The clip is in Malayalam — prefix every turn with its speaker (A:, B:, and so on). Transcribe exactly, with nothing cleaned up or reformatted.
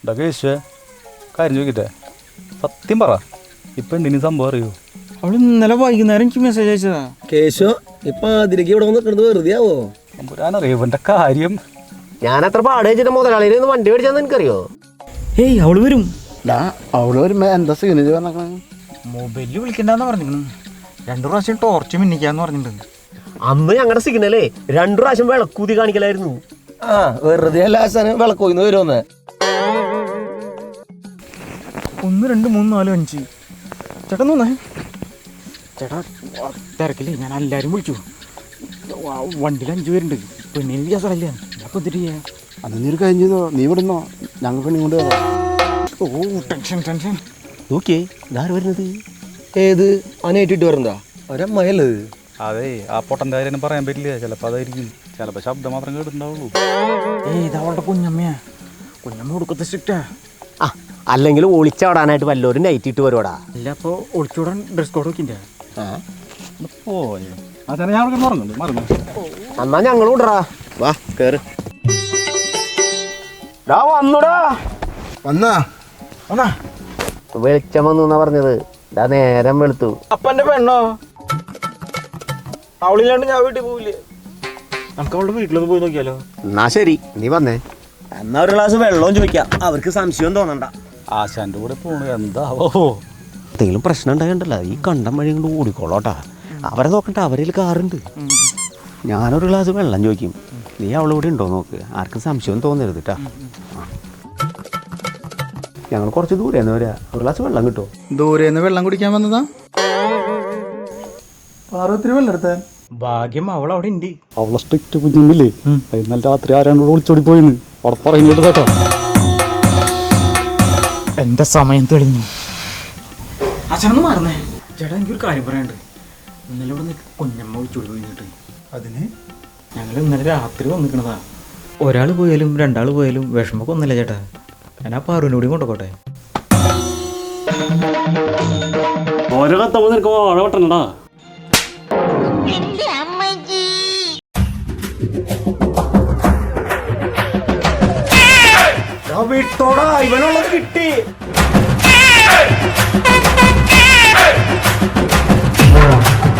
A: എന്താ കേശുവേ കാര്യം ചോദിക്കട്ടെ, സത്യം പറ, ഇപ്പം എന്തിനു സംഭവം അറിയോ?
B: അവള് ഇന്നലെ വൈകുന്നേരം എനിക്ക് മെസ്സേജ് അയച്ചതാ.
C: കേശു ഇപ്പൊ അതിലേക്ക് ഇവിടെ വന്നിട്ട് വെറുതെ ആവോ?
A: പുരാനറിയോ ഇവന്റെ കാര്യം?
D: ഞാൻ അത്ര പാട് വെച്ചിട്ട് മുതലാളിയിൽ നിന്ന് വണ്ടി മേടിച്ചാന്ന് എനിക്കറിയോ?
B: ഏയ് അവള് വരും.
C: അവള് വരുമ്പോ എന്താ സീനേജ് പറഞ്ഞ
B: മൊബൈലിൽ വിളിക്കണ്ടെന്ന് പറഞ്ഞിരിക്കുന്നു. രണ്ടു പ്രാവശ്യം ടോർച്ച് മിന്നിക്കാന്ന് പറഞ്ഞിട്ടുണ്ട്.
D: അന്ന് ഞങ്ങളുടെ സിഗ്നലേ രണ്ടു പ്രാവശ്യം വിളക്കൂതി കാണിക്കലായിരുന്നു.
C: ആ വെറുതെ അല്ല ആശാന് വിളക്കോയിന്ന് വരുമെന്ന്.
B: ഒന്ന് രണ്ട് മൂന്ന് നാല് അഞ്ച് ചേട്ടാ തോന്നേ ചേട്ടാ തിരക്കില്ലേ, ഞാൻ എല്ലാവരും വിളിച്ചു. വണ്ടിയിൽ അഞ്ചു പേരുണ്ട്. പെണ്ണിന് വിചാരിച്ചല്ല അപ്പൊ എന്തിട്ട് ചെയ്യാ?
C: അത് നീ ഒരു കാര്യം ചെയ്തോ, നീ വിടുന്നോ, ഞങ്ങൾ പെണ്ണി കൊണ്ട് വരാം.
B: ഓ ടെൻഷൻ ടെൻഷൻ.
D: നോക്കിയേ ഇതാര് വരുന്നത്?
C: ഏത് അനേറ്റിട്ട് വരണ്ടാ ഒരമ്മയല്ലത്?
A: അതെ, ആ പൊട്ടൻ്റെ കാര്യം പറയാൻ പറ്റില്ല. ചിലപ്പോൾ അതായിരിക്കും, ചിലപ്പോൾ ശബ്ദം മാത്രം കേട്ടിട്ടുണ്ടാവുള്ളൂ.
B: ഏയ് ഇത് അവളുടെ കുഞ്ഞമ്മയാ. കുഞ്ഞമ്മ കൊടുക്കത്തെ സ്ട്രിക്റ്റാ.
D: ആ അല്ലെങ്കിൽ ഒളിച്ചാടാനായിട്ട് വല്ലവരും നൈറ്റ് ഇട്ട് വരുവാടാ.
B: അല്ല അപ്പോൾ ഒളിച്ചോടാൻ ഡ്രസ് കോഡ് വെക്കിൻ്റെ.
A: ഓ ആ ചേട്ടാ, ഞാൻ മറന്നു മറന്നു.
D: എന്നാ ഞങ്ങൾ വിടറാ.
C: വാ കേറ്.
D: വന്നുടാ
C: വന്നാ
B: വന്നാ
D: വെളിച്ചം വന്നു എന്നാ പറഞ്ഞത്. ഇതാ നേരം വെളുത്തു.
B: അപ്പൻ്റെ പെണ്ണോ? അവളില്ലാണ്ട് ഞാൻ വീട്ടിൽ പോവില്ലേ? നമുക്ക് അവളുടെ വീട്ടിലൊന്ന് പോയി നോക്കിയാലോ?
D: എന്നാ ശരി, നീ വന്നേ.
C: എന്നാ ഒരു ഗ്ലാസ് വെള്ളവും ചോദിക്കാം, അവർക്ക് സംശയം തോന്നണ്ട.
A: ആശാന്റെ കൂടെ പോണു എന്താവോ?
D: എന്തെങ്കിലും പ്രശ്നം ഉണ്ടാകണ്ടല്ലോ, ഈ കണ്ടം വഴി കൊണ്ട് ഓടിക്കോളോട്ടാ. അവരെ നോക്കണ്ട, അവരിൽ കാറുണ്ട്. ഞാനൊരു ഗ്ലാസ് വെള്ളം ചോദിക്കും, നീ അവളിവിടെ ഉണ്ടോ നോക്ക്, ആർക്കും സംശയം തോന്നരുത് കേട്ടാ. ഞങ്ങൾ കുറച്ച് ദൂരെന്ന് വരാ, ഒരു ഗ്ലാസ് വെള്ളം കിട്ടുമോ?
E: ദൂരെന്ന് വെള്ളം കുടിക്കാൻ വന്നതാ? പാർവത്തിരി വെള്ളം എടുത്താൻ
B: ഭാഗ്യം അവൾ അവിടെ ഉണ്ട്.
A: അവളെ സ്ട്രിക്റ്റ് കുഞ്ഞില്ലേ, ഇന്നലെ രാത്രി ആരാണ്ട് ഒളിച്ചോടി പോയിന്ന് അവിടെ പറയുന്നുണ്ട് കേട്ടോ.
B: എന്റെ സമയം തെളിഞ്ഞു. അച്ഛനൊന്ന് മാറുന്നേ. ചേട്ടാ എനിക്കൊരു കാര്യം പറയാനുണ്ട്. ഇന്നലെ ഇവിടെ നിന്ന് കുഞ്ഞമ്മ വിളിച്ചോടി പോയിട്ട്
E: അതിന്
B: ഞങ്ങൾ ഇന്നലെ രാത്രി വന്നിക്കണതാ. ഒരാൾ പോയാലും രണ്ടാൾ പോയാലും വിഷമൊക്കെ ഒന്നല്ല ചേട്ടാ. ഞാൻ ആ പാറുവിൻ്റെ കൂടി കൊണ്ടുപോട്ടെ.
A: ഓരോ കത്തമ്മ നിനക്ക് ഓഴവട്ടണ്ടാ.
C: വിട്ടോടാ, ഇവനുള്ളത് കിട്ടി.
F: Yeah.